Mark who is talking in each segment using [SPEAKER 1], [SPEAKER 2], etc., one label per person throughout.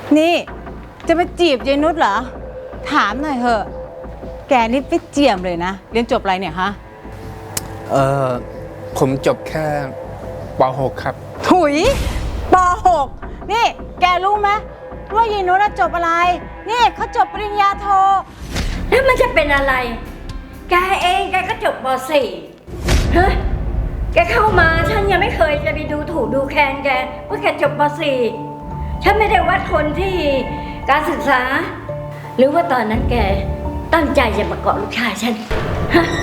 [SPEAKER 1] นี่จะมาจีบยายนุชเหรอถามหน่อยเถอะแกนี่ไปเจียมเลยนะเรียนจบอะไรเนี่ยฮะ
[SPEAKER 2] ผมจบแค่ป .6 ครับ
[SPEAKER 1] ถุยป .6 นี่แกรู้ไหมว่ายายนุชจบอะไรนี่เขาจบปริญญาโท
[SPEAKER 3] แล้วมันจะเป็นอะไรแกเองแกก็จบป .4 ฮะแกเข้ามาฉันยังไม่เคยจะไปดูถูกดูแคลนแกว่าแกจบป .4 ฉันไม่ได้วัดคนที่การศึกษาหรือว่าตอนนั้นแกตั้งใจจะมาเกาะลูกชายฉันฮะ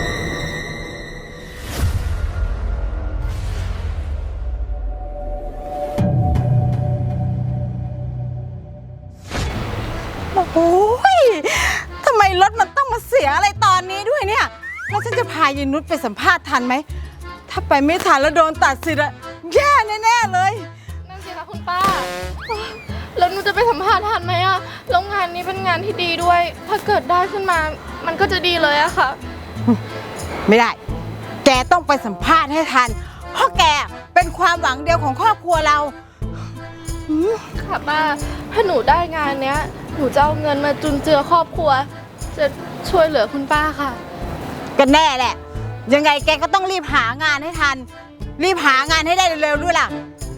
[SPEAKER 1] โอ้ยทำไมรถมันต้องมาเสียอะไรตอนนี้ด้วยเนี่ยแล้วฉันจะพายายนุชไปสัมภาษณ์ทันไหมถ้าไปไม่ทันแล้วโดนตัดสิทธิ์อะแย่แน่ๆเลย
[SPEAKER 4] นั่นสิคะคุณป้าแล้วหนูจะไปสัมภาษณ์ทันไหมอะแล้วงานนี้เป็นงานที่ดีด้วยถ้าเกิดได้ขึ้นมามันก็จะดีเลยอะค่ะ
[SPEAKER 1] ไม่ได้แกต้องไปสัมภาษณ์ให้ทันเพราะแกเป็นความหวังเดียวของครอบครัวเรา
[SPEAKER 4] ค่ะป้าถ้าหนูได้งานเนี้ยหนูจะเอาเงินมาจุนเจือครอบครัวจะช่วยเหลือคุณป้าค่ะ
[SPEAKER 1] ก็แน่แหละยังไงแกก็ต้องรีบหางานให้ทันรีบหางานให้ได้เร็วๆด้วยล่ะ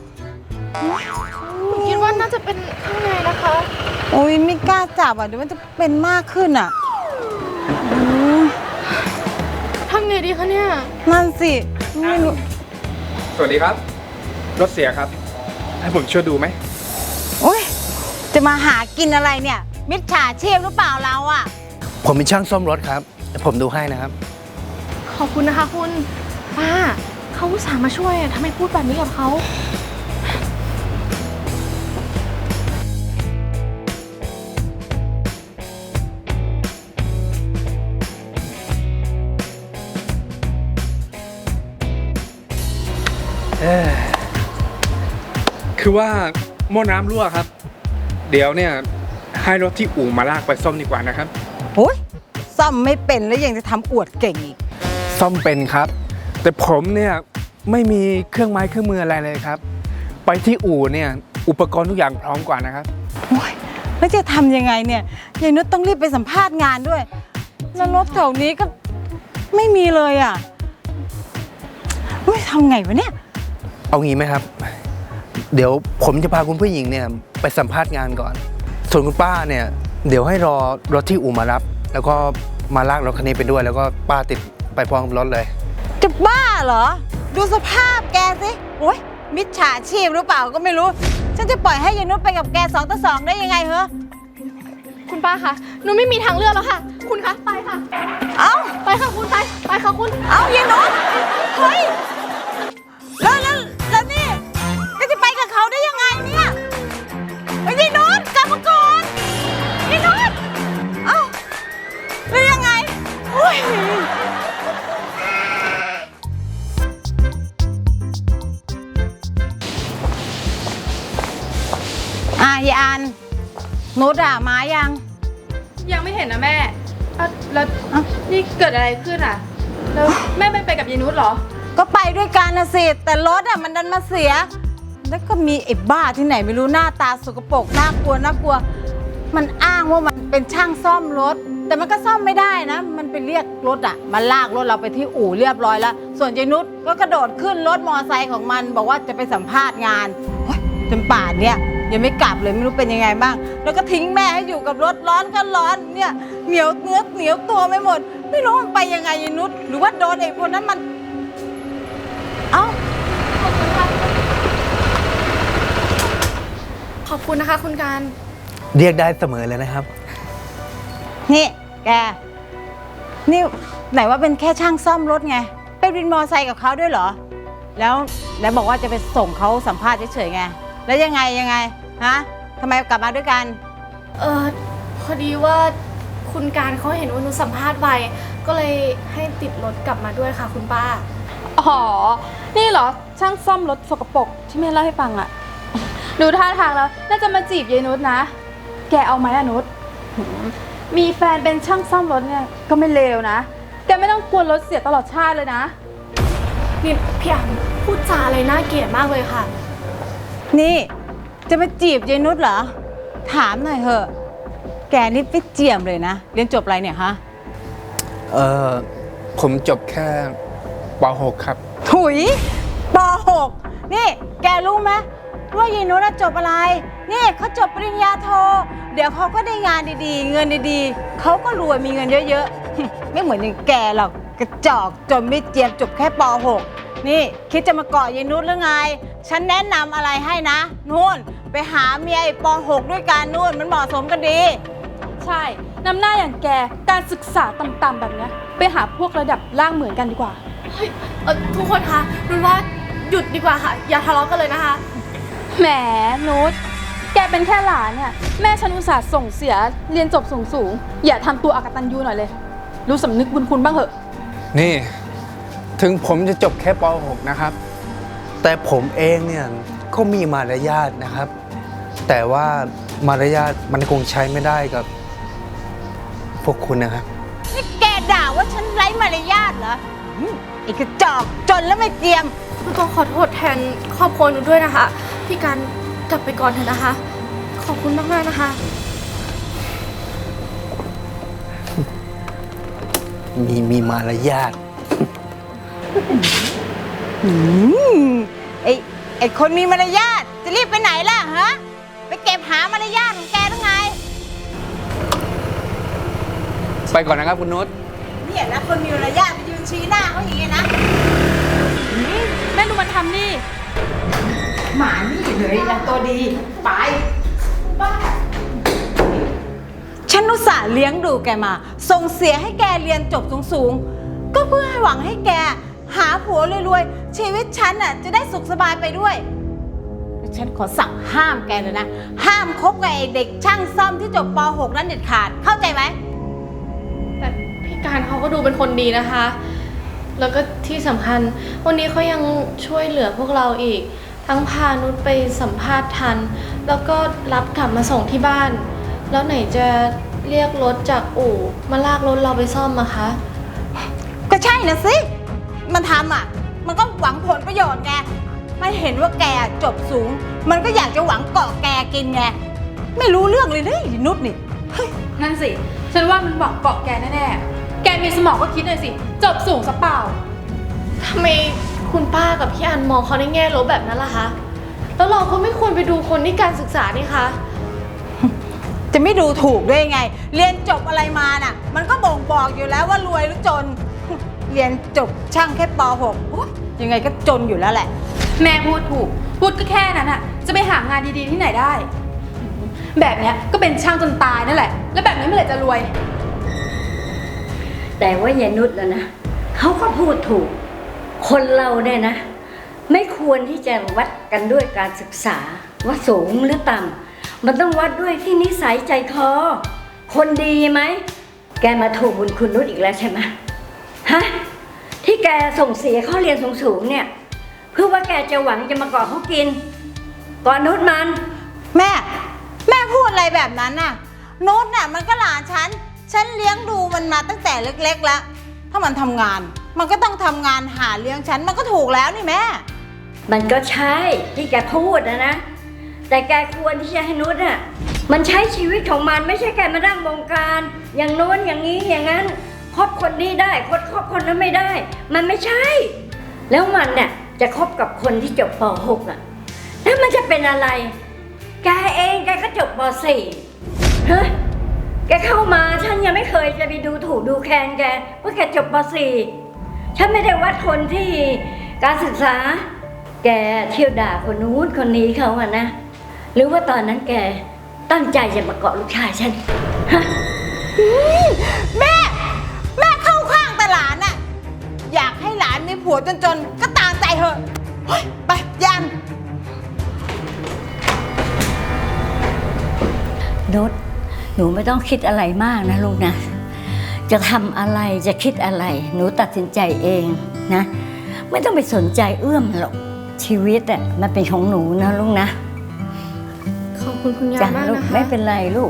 [SPEAKER 4] หนูคิดว่าน่าจะเป็นข้างในนะคะ
[SPEAKER 1] โอ้ยไม่กล้าจับอ่ะเดี๋ยวมันจะเป็นมากขึ้นอ่ะ
[SPEAKER 4] ทำไงดีคะเนี่ย
[SPEAKER 1] นั่นสิไม่รู้
[SPEAKER 2] สวัสดีครับรถเสียครับให้ผมช่วยดูไหม
[SPEAKER 1] โอ้ยจะมาหากินอะไรเนี่ยมิจฉาชีพหรือเปล่าเราอ่ะ
[SPEAKER 5] ผมเป็นช่างซ่อมรถครับผมดูให้นะครับ
[SPEAKER 4] ขอบคุณนะคะคุณป้าเขาอุตส่าห์มาช่วยทำไมพูดแบบนี้กับเขา
[SPEAKER 2] คือว่าหม้อน้ำรั่วครับเดี๋ยวเนี่ยให้รถที่อู่มาลากไปซ่อมดีกว่านะครับ
[SPEAKER 1] โอ้ยซ่อมไม่เป็นแล้วยังจะทำอวดเก่งอีก
[SPEAKER 2] ซ่อมเป็นครับแต่ผมเนี่ยไม่มีเครื่องไม้เครื่องมืออะไรเลยครับไปที่อู่เนี่ยอุปกรณ์ทุกอย่างพร้อมกว่านะครับ
[SPEAKER 1] โอ้ยแล้วจะทำยังไงเนี่ยยายนุชต้องรีบไปสัมภาษณ์งานด้วยแล้วรถแถวนี้ก็ไม่มีเลยอ่ะทำไงวะเนี่ย
[SPEAKER 5] เอางี้ไหมครับเดี๋ยวผมจะพาคุณผู้หญิงเนี่ยไปสัมภาษณ์งานก่อนส่วนคุณป้าเนี่ยเดี๋ยวให้รอรถที่อู่มารับแล้วก็มาลากรถคันนี้ไปด้วยแล้วก็ป้าติดไปพร้อมกับรถเลย
[SPEAKER 1] จะบ้าเหรอดูสภาพแกสิโอ้ยมิจฉาชีพหรือเปล่าก็ไม่รู้ฉันจะปล่อยให้ยายนุชไปกับแก2 ต่อ 2ได้ยังไงเหรอ
[SPEAKER 4] คุณป้าคะหนูไม่มีทางเลือกแล้วค่ะคุณคะไปค่ะ
[SPEAKER 1] เอ้า
[SPEAKER 4] ไปค่ะคุณไปค่ะคุณ
[SPEAKER 1] เอ้ายายนุชเฮ้ยแล้วนี่ก็จะไปกับเขาได้ยังไงเนี่ยยายนุชกลับมาก่อนยายนุชเอ้าแล้วยังไงโอ้ยยายอันนุชมา
[SPEAKER 4] ยังไม่เห็นนะแม่แล้วนี่เกิดอะไรขึ้นอ่ะแล้วแม่ไปกับยายนุชเหรอ
[SPEAKER 1] ก็ไปด้วยกันนะสิแต่รถมันดันมาเสียแล้วก็มีไอ้บ้าที่ไหนไม่รู้หน้าตาสกปรกน่ากลัวมันอ้างว่ามันเป็นช่างซ่อมรถแต่มันก็ซ่อมไม่ได้นะมันไปเรียกรถมาลากรถเราไปที่อู่เรียบร้อยแล้วส่วนยายนุชก็กระโดดขึ้นรถมอไซค์ของมันบอกว่าจะไปสัมภาษณ์งานจนป่านเนี่ยยังไม่กลับเลยไม่รู้เป็นยังไงบ้างแล้วก็ทิ้งแม่ให้อยู่กับรถร้อนก็ร้อนเนี่ยเหนียวเนื้อเหนียวตัวไม่หมดไม่รู้มันไปยังไงยายนุชหรือว่าโดนไอ้คนนั้นมันเอ้า
[SPEAKER 4] ขอบคุณนะคะคุณการ
[SPEAKER 5] เรียกได้เสมอเลยนะครับ
[SPEAKER 1] นี่แกนี่ไหนว่าเป็นแค่ช่างซ่อมรถไงไปวินมอไซค์กับเขาด้วยเหรอแล้วบอกว่าจะไปส่งเขาสัมภาษณ์เฉยๆไงแล้วยังไงฮะทำไมกลับมาด้วยกัน
[SPEAKER 4] พอดีว่าคุณการเขาเห็นว่าหนูสัมภาษณ์ไปก็เลยให้ติดรถกลับมาด้วยค่ะคุณป้า
[SPEAKER 6] อ๋อนี่เหรอช่างซ่อมรถสกปรกที่แม่เล่าให้ฟังอะดูท่าทางแล้วน่าจะมาจีบยายนุชนะแกเอาไหมอะนุชมีแฟนเป็นช่างซ่อมรถเนี่ยก็ไม่เลวนะแกไม่ต้องกลัวรถเสียตลอดชาติเลยนะ
[SPEAKER 4] นี่พี่อันพูดจาอะไรน่าเกลียดมากเลยค่ะ
[SPEAKER 1] นี่จะมาจีบยายนุชเหรอถามหน่อยเถอะ แกนี่ไปเจียมเลยนะ เรียนจบอะไรเนี่ยฮะ
[SPEAKER 2] เออผมจบแค่ป .6 ครับ
[SPEAKER 1] ถุยป .6 นี่แกรู้ไหมว่ายายนุชน่ะจบอะไร นี่เขาจบปริญญาโท เดี๋ยวเขาก็ได้งานดีๆ เงินดีๆ เขาก็รวยมีเงินเยอะๆ ไม่เหมือนอย่างแกหรอกกระจอกจนไม่เจียมจบแค่ป .6 นี่คิดจะมาเกาะยายนุชหรือไง ฉันแนะนำอะไรให้นะนู่นไปหาเมียไอ้ป .6 ด้วยกันนู่นมันเหมาะสมกันดี
[SPEAKER 6] ใช่น้ำหน้าอย่างแกการศึกษาต่ำๆแบบเนี้ยไปหาพวกระดับล่างเหมือนกันดีกว่า
[SPEAKER 4] เฮ้ยทุกคนคะนุชว่าหยุดดีกว่าค่ะ อย่าทะเลาะกันเลยนะคะ
[SPEAKER 6] แหมนุชแกเป็นแค่หลานเนี่ยแม่ฉันอุตส่าห์ส่งเสียเรียนจบสูงๆอย่าทำตัวอกตัญญูหน่อยเลย รู้สำนึกบุญคุณบ้างเหอะ
[SPEAKER 2] นี่ ถึงผมจะจบแค่ป .6 นะครับ
[SPEAKER 5] แต่ผมเองเนี่ยก็มีมารยาทนะครับ แต่ว่ามารยาทมันคงใช้ไม่ได้กับพวกคุณนะครับ
[SPEAKER 1] นี่แกด่าว่าฉันไร้มารยาทเหรอไอ้กระจอกจนแล้วไม่เจียม
[SPEAKER 4] ก็ขอโทษแทนครอบครัวหนูด้วยนะคะ พี่การกลับไปก่อนเถอะนะคะ ขอบคุณมากๆนะคะ
[SPEAKER 5] มีมารยาท
[SPEAKER 1] ไอ้คนมีมารยาทจะรีบไปไหนล่ะฮะ ไปเก็บหามารยาทของแกหรือไง
[SPEAKER 2] ไปก่อนนะครับคุณนุช
[SPEAKER 1] เนี่ยนะคนมีมารยาทไปยืนชี้หน้าเขาอย่างเงี้ยนะ
[SPEAKER 6] แม่ดูมันทำนี่
[SPEAKER 1] หมานี่เลยนะตัวดีไปฉันอุตส่าห์เลี้ยงดูแกมา ส่งเสียให้แกเรียนจบสูงๆก็เพื่อให้หวังให้แกหาผัวรวยๆชีวิตฉันน่ะจะได้สุขสบายไปด้วยฉันขอสั่งห้ามแกเลยนะ ห้ามคบกับไอ้เด็กช่างซ่อมที่จบป .6 นั้นเด็ดขาดเข้าใจไหม
[SPEAKER 4] แต่พี่การเขาก็ดูเป็นคนดีนะคะ แล้วก็ที่สำคัญวันนี้เขายังช่วยเหลือพวกเราอีก ทั้งพานุชไปสัมภาษณ์ทัน แล้วก็รับกลับมาส่งที่บ้าน แล้วไหนจะเรียกรถจากอู่มาลากรถเราไปซ่อมอะคะ
[SPEAKER 1] ก็ใช่นะสิ มันทำอ่ะ มันก็หวังผลประโยชน์ไง มันเห็นว่าแกจบสูง มันก็อยากจะหวังเกาะแกกินไง ไม่รู้เรื่องเลยนี่นุชนี่
[SPEAKER 6] นั่นสิ ฉันว่ามันหวังเกาะแกแน่ๆ แกมีสมองก็คิดหน่อยสิ จบสูงซะเปล่า
[SPEAKER 4] ทำไมคุณป้ากับพี่อันมองเขาในแง่ลบแบบนั้นล่ะคะ แล้วเราก็ไม่ควรไปดูคนที่การศึกษานี่คะ
[SPEAKER 1] จะไม่ดูถูกได้ยังไง เรียนจบอะไรมาน่ะ มันก็บ่งบอกอยู่แล้วว่ารวยหรือจน เรียนจบช่างแค่ป .6 โอ๊ยยังไงก็จนอยู่แล้วแหละ
[SPEAKER 6] แม่พูดถูก พูดก็แค่นั้นอะจะไปหางานดีๆที่ไหนได้ แบบเนี้ยก็เป็นช่างจนตายนั่นแหละ แล้วแบบนี้เมื่อไหร่จะรวย
[SPEAKER 3] แต่ว่ายายนุชนะเขาก็พูดถูก คนเราเนี่ยนะ ไม่ควรที่จะวัดกันด้วยการศึกษาว่าสูงหรือต่ำมันต้องวัดด้วยที่นิสัยใจคอคนดีไหมแกมาถูกบุญคุณนุชอีกแล้วใช่ไหมฮะที่แกส่งเสียเขาเรียนสูงๆเนี่ยเพื่อว่าแกจะหวังจะมาเกาะเขากินก่อนนุชมัน
[SPEAKER 1] แม่พูดอะไรแบบนั้นน่ะนุชน่ะมันก็หลานฉันเลี้ยงดูมันมาตั้งแต่เล็กๆแล้ว ถ้ามันทำงาน มันก็ต้องทำงานหาเลี้ยงฉัน มันก็ถูกแล้วนี่แม่
[SPEAKER 3] มันก็ใช่ที่แกพูดนะแต่แกควรที่จะให้นุชอ่ะมันใช้ชีวิตของมันไม่ใช่แกมานั่งบงการอย่างโน้นอย่างนี้อย่างนั้นคบคนนี้ได้คบคนนั้นไม่ได้ มันไม่ใช่ แล้วมันเนี่ยจะคบกับคนที่จบป .6 อ่ะแล้วมันจะเป็นอะไรแกเองแกก็จบป .4 เฮ้ยแกเข้ามาฉันยังไม่เคยจะไปดูถูกดูแคลนแกว่าแกจบป .4 ฉันไม่ได้วัดคนที่การศึกษาแกเที่ยวด่าคนนู้นคนนี้เขาอะนะหรือว่าตอนนั้นแกตั้งใจจะมาเกาะลูกชายฉันฮะ
[SPEAKER 1] แม่เข้าข้างแต่หลานน่ะอยากให้หลานมีผัวจนๆก็ตามใจเถอะเฮ้ยไปยัน
[SPEAKER 3] นุชหนูไม่ต้องคิดอะไรมากนะลูกนะจะทำอะไรจะคิดอะไรหนูตัดสินใจเองนะไม่ต้องไปสนใจเอื้อมหรอกชีวิตอ่ะมันเป็นของหนูนะลูกนะ
[SPEAKER 4] ขอบคุณคุณยาย
[SPEAKER 3] จ้ะ
[SPEAKER 4] มาก
[SPEAKER 3] ลูก
[SPEAKER 4] นะคะ
[SPEAKER 3] ไม่เป็นไรลูก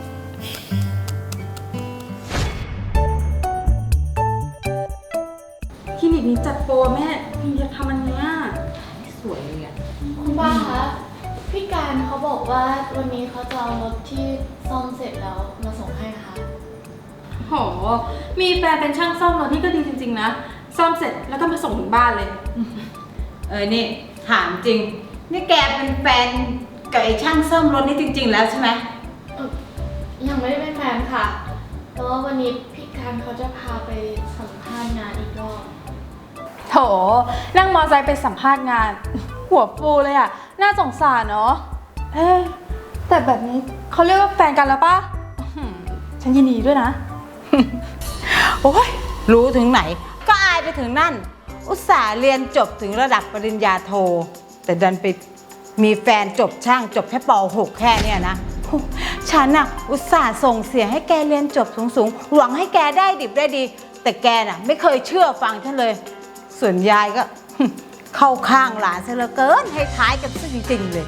[SPEAKER 6] คลินิกนี้จัดโปรแม่อยากทำอันเนี้ยสวยเลยอะ
[SPEAKER 4] คุณป้าคะพี่การเขาบอกว่าวันนี้เขาจะเอารถที่ซ่อมเสร็จแล้วมาส่งให้ค่ะ
[SPEAKER 6] โห มีแฟนเป็นช่างซ่อมรถนี่ก็ดีจริงๆนะ ซ่อมเสร็จแล้วก็มาส่งถึงบ้านเลย
[SPEAKER 1] นี่ถามจริง นี่แกเป็นแฟนกับไอ้ช่างซ่อมรถนี่จริง ๆ แล้วใช่ไหม
[SPEAKER 4] ยังไม่ได้เป็นแฟนค่ะแต่ว่าวันนี้พี่การเขาจะพาไปสัมภาษณ์งานอีกรอบ
[SPEAKER 6] โถ นั่งมอไซค์ไปสัมภาษณ์งาน หัวฟูเลยอะน่าสงสารเนาะ เอ๊ะแต่แบบนี้เขาเรียกว่าแฟนกันแล้วปะอื้อหือฉันยินดีด้วยนะ โอ้ย
[SPEAKER 1] รู้ถึงไหน ก็อายไปถึงนั่น อุตส่าห์เรียนจบถึงระดับปริญญาโท แต่ดันไปมีแฟนจบช่างจบแค่ป .6 แค่เนี่ยนะโอ้ฉันน่ะอุตส่าห์ส่งเสียให้แกเรียนจบสูงๆหวังให้แกได้ดิบได้ดี แต่แกน่ะไม่เคยเชื่อฟังฉันเลย ส่วนยายก็ เข้าข้างหลานซะเหลือเกินให้ท้ายกันซะจริงๆเลย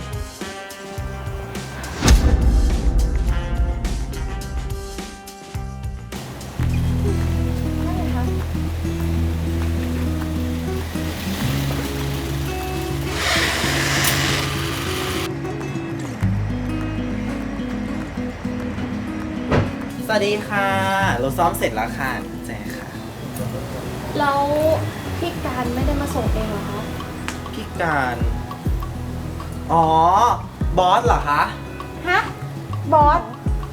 [SPEAKER 7] สวัสดีค่ะรถซ่อมเสร็จแล้วค่ะกุญแจค่ะ
[SPEAKER 4] แล้วพี่การไม่ได้มาส่งเองเหรอคะ
[SPEAKER 7] พี่การอ๋อบอสเหรอคะ
[SPEAKER 1] ฮะ บอส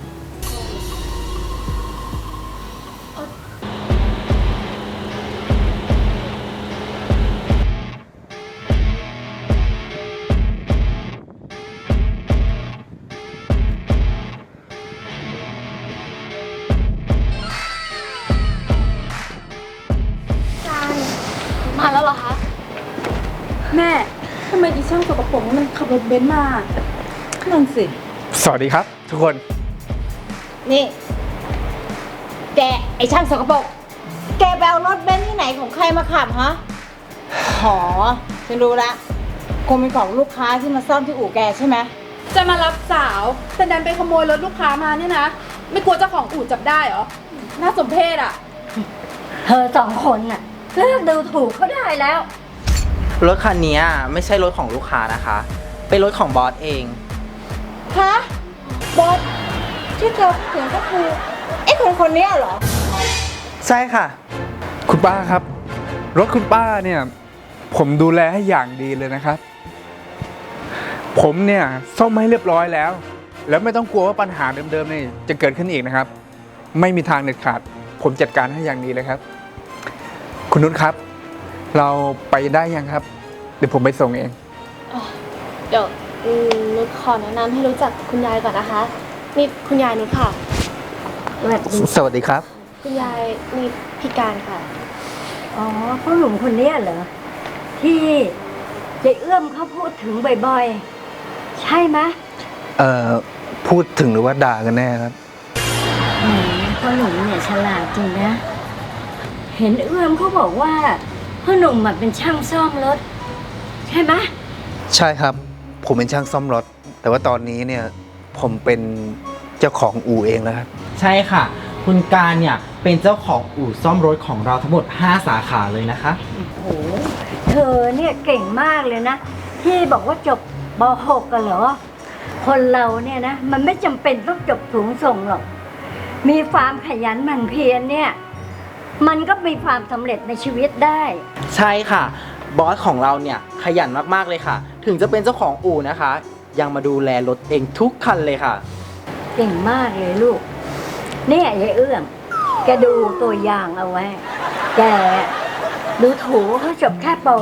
[SPEAKER 4] มาแล้วเหรอคะ
[SPEAKER 6] แม่ทำไมอีช่างสกปรกนี่มันขับรถเบนซ์มา
[SPEAKER 1] นั่นสิ
[SPEAKER 2] สวัสดีครับ ทุกคน
[SPEAKER 1] นี่ แกไอช่างสกปรกแกไปเอารถเบนซ์ที่ไหนของใครมาขับฮะหอฉันรู้ละคงเป็นของลูกค้าที่มาซ่อมที่อู่แกใช่ไหม
[SPEAKER 6] จะมารับสาว แต่ดันไปขโมยรถลูกค้ามาเนี่ยนะ ไม่กลัวเจ้าของอู่จับได้เหรอ น่าสมเพชอะ
[SPEAKER 3] เธอสองคนน่ะเลิกดูถูกเขาได้แล้ว
[SPEAKER 7] รถคันนี้ไม่ใช่รถของลูกค้านะคะ เป็นรถของบอสเอง
[SPEAKER 1] ฮะ บอสที่เธอพูดถึงก็คือไอ้คนเนี้ยเหรอ
[SPEAKER 7] ใช่ค่ะ
[SPEAKER 2] คุณป้าครับ รถคุณป้าเนี่ย ผมดูแลให้อย่างดีเลยนะครับ ผมเนี่ยซ่อมให้เรียบร้อยแล้ว แล้วไม่ต้องกลัวว่าปัญหาเดิมๆนี่จะเกิดขึ้นอีกนะครับ ไม่มีทางเด็ดขาด ผมจัดการให้อย่างดีเลยครับ คุณนุชครับ เราไปได้ยังครับ เดี๋ยวผมไปส่งเอง
[SPEAKER 4] เดี๋ยวนุชขอแนะนำให้รู้จักคุณยายก่อนนะคะ นี่คุณยายนุชค่ะ
[SPEAKER 5] สวัสดีครับ
[SPEAKER 4] คุณยายนี่พี่การค่ะ
[SPEAKER 3] อ๋อพ่อหนุ่มคนเนี้ยเหรอ ที่เจ๊เอื้อมเขาพูดถึงบ่อยๆ ใช่ไหม
[SPEAKER 5] พูดถึงหรือว่าด่ากันแน่ครับ
[SPEAKER 3] พ่อหนุ่มเนี่ยฉลาดจริงนะ เห็นเอื้อมเขาบอกว่าพ่อหนุ่มเป็นช่างซ่อมรถ ใช่ไหม
[SPEAKER 5] ใช่ครับ ผมเป็นช่างซ่อมรถ แต่ว่าตอนนี้เนี่ยผมเป็นเจ้าของอู่เองแล้วครับ
[SPEAKER 7] ใช่ค่ะ คุณการเนี่ยเป็นเจ้าของอู่ซ่อมรถของเราทั้งหมด 5 สาขาเลยนะคะ
[SPEAKER 3] โอ้เธอเนี่ยเก่งมากเลยนะ ที่บอกว่าจบป .6 กันเหรอ คนเราเนี่ยนะ มันไม่จำเป็นต้องจบสูงส่งหรอก มีความขยันหมั่นเพียรเนี่ย มันก็มีความสำเร็จในชีวิตได้
[SPEAKER 7] ใช่ค่ะ บอสของเราเนี่ยขยันมากๆเลยค่ะ ถึงจะเป็นเจ้าของอู่นะคะ ยังมาดูแลรถเองทุกคันเลยค่ะ
[SPEAKER 3] เก่งมากเลยลูก เนี่ยยายเอื้อมแกดูตัวอย่างเอาไว้ แกดูถูกเขาจบแค่ป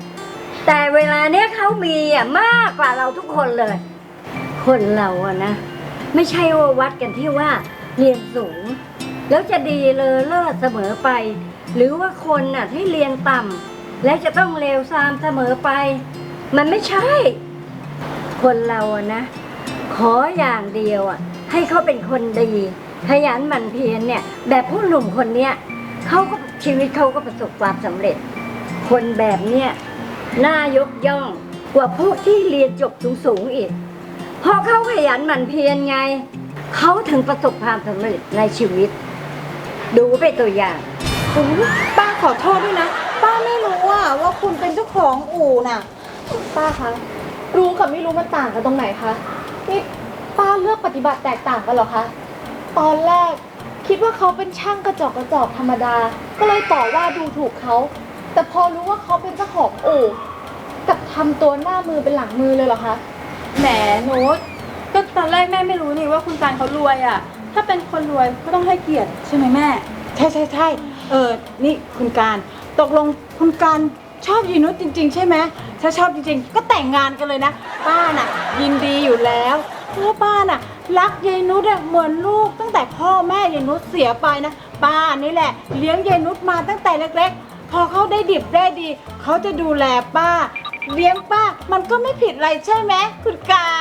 [SPEAKER 3] .6 แต่เวลาเนี้ยเขามีมากกว่าเราทุกคนเลย คนเราอะนะ ไม่ใช่ว่าวัดกันที่ว่าเรียนสูง แล้วจะดีเลอเลิศเสมอไป หรือว่าคนน่ะที่เรียนต่ำแล้วจะต้องเลวทรามเสมอไป มันไม่ใช่ คนเราอะนะ ขออย่างเดียวอะให้เขาเป็นคนดีขยันหมั่นเพียรเนี่ย แบบผู้หนุ่มคนเนี้ยเขาก็ชีวิตเขาก็ประสบความสำเร็จ คนแบบเนี้ยน่ายกย่องกว่าพวกที่เรียนจบสูงๆอีกเพราะเขาขยันหมั่นเพียรไงเขาถึงประสบความสำเร็จในชีวิต ดูไปตัวอย่าง
[SPEAKER 1] โอ้ยป้าขอโทษด้วยนะ ป้าไม่รู้ว่าคุณเป็นเจ้าของอู่น่ะ
[SPEAKER 4] ป้าคะรู้กับไม่รู้มันต่างกันตรงไหนคะ นี่ป้าเลือกปฏิบัติแตกต่างกันเหรอคะ ตอนแรกคิดว่าเขาเป็นช่างกระจอกธรรมดา ก็เลยต่อว่าดูถูกเขา แต่พอรู้ว่าเขาเป็นเจ้าของอู่กลับทำตัวหน้ามือเป็นหลังมือเลยเหรอคะ
[SPEAKER 6] แหมนุชก็ตอนแรกแม่ไม่รู้นี่ว่าคุณการเขารวยอ่ะ ถ้าเป็นคนรวยก็ต้องให้เกียรติใช่ไหมแม่
[SPEAKER 1] ใช่นี่คุณการตกลงคุณการชอบยีนุชจริง ๆ ใช่ไหมถ้าชอบจริงๆ ก็แต่งงานกันเลยนะ ป้าน่ะ ยินดีอยู่แล้วเพราะว่าป้าน่ะ รักยายนุชอะเหมือนลูกตั้งแต่พ่อแม่ยายนุชเสียไปนะป้านี่แหละ เลี้ยงยายนุชมาตั้งแต่เล็กๆ พอเขาได้ดิบได้ดี เขาจะดูแลป้า เลี้ยงป้ามันก็ไม่ผิดอะไรใช่ไหมคุณการ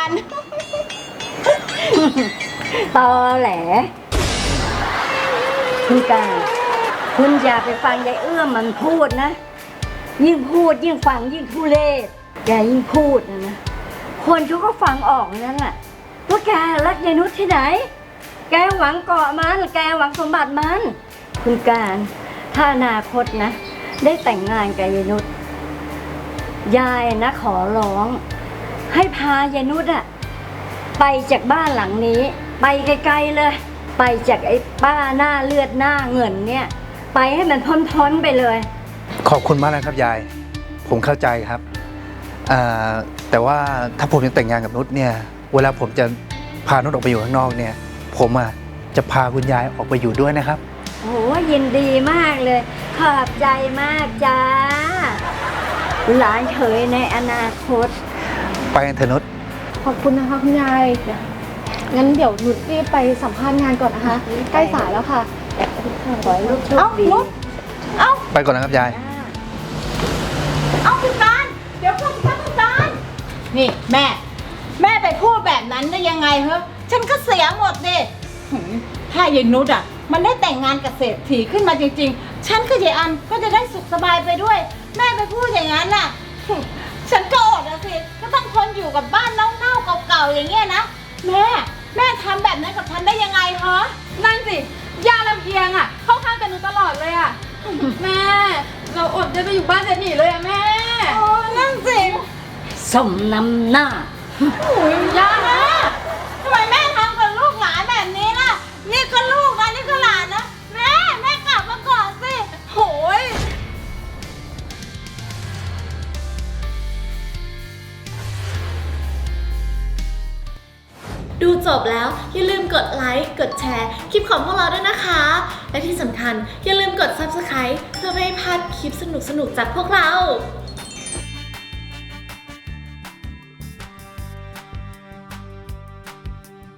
[SPEAKER 3] ตอแหล คุณการคุณอย่าไปฟังยายเอื้อมมันพูดนะ ยิ่งพูดยิ่งฟังยิ่งทุเรศแกยิ่งพูดนะคนเขาก็ฟังออกนั่นแหละว่าแกรักยายนุชที่ไหน แกหวังเกาะมันแกหวังสมบัติมัน คุณการถ้าอนาคตนะ ได้แต่งงานกับยายนุชยายนะขอร้อง ให้พายายนุชอะไปจากบ้านหลังนี้ ไปไกลๆเลย ไปจากไอ้ป้าหน้าเลือดหน้าเงินเนี่ย ไปให้มันพ้นๆไปเลย
[SPEAKER 5] ขอบคุณมากนะครับยาย ผมเข้าใจครับแต่ว่าถ้าผมยังแต่งงานกับนุชเนี่ย เวลาผมจะพานุชออกไปอยู่ข้างนอกเนี่ย ผมจะพาคุณยายออกไปอยู่ด้วยนะครับ
[SPEAKER 3] โอ้ยินดีมากเลย ขอบใจมากจ้า หลานเขยในอนาคต
[SPEAKER 5] ไปกันเถอะนุช
[SPEAKER 4] ขอบคุณนะคะคุณยาย งั้นเดี๋ยวนุชรีบไปสัมภาษณ์งานก่อนนะคะ ใกล้สายแล้วค่ะ
[SPEAKER 3] ขอให้ลูกโชคดี
[SPEAKER 5] ไปก่อนนะครับยาย
[SPEAKER 1] เอาคุณการเดี๋ยวก่อนคุณการนี่แม่ไปพูดแบบนั้นได้ยังไงเหรอฉันก็เสียหมดดิหือถ้ายายนุชอ่ะ มันได้แต่งงานกับเศรษฐีขึ้นมาจริงๆ ฉันกับยายอันก็จะได้สุขสบายไปด้วย แม่ไปพูดอย่างนั้นน่ะฉันก็อดอะสิก็ต้องทนอยู่กับบ้านเน่าๆเก่าๆอย่างเงี้ยนะแม่ทำแบบนั้นกับฉันได้ยังไงเหรอ
[SPEAKER 6] นั่นสิย่าลำเอียงอ่ะ เข้าข้างกันหนูตลอดเลยอ่ะ แม่ เราอดจะไปอยู่บ้านเศรษฐีเลยอ่ะแม่
[SPEAKER 1] โอ้นั่นสิ
[SPEAKER 3] สมน้ำหน้า
[SPEAKER 1] โอ้ยย่านะทำไมแม่ทำกับลูกหลานแบบนี้ล่ะ นี่ก็ลูกนะนี่ก็หลานนะ แม่กลับมาก่อนสิโหย
[SPEAKER 8] ดูจบแล้วอย่าลืมกดไลค์ กดแชร์คลิปของพวกเราด้วยนะคะ และที่สำคัญอย่าลืมกด Subscribe เพื่อไม่ให้พลาดคลิปสนุกๆจากพวกเรา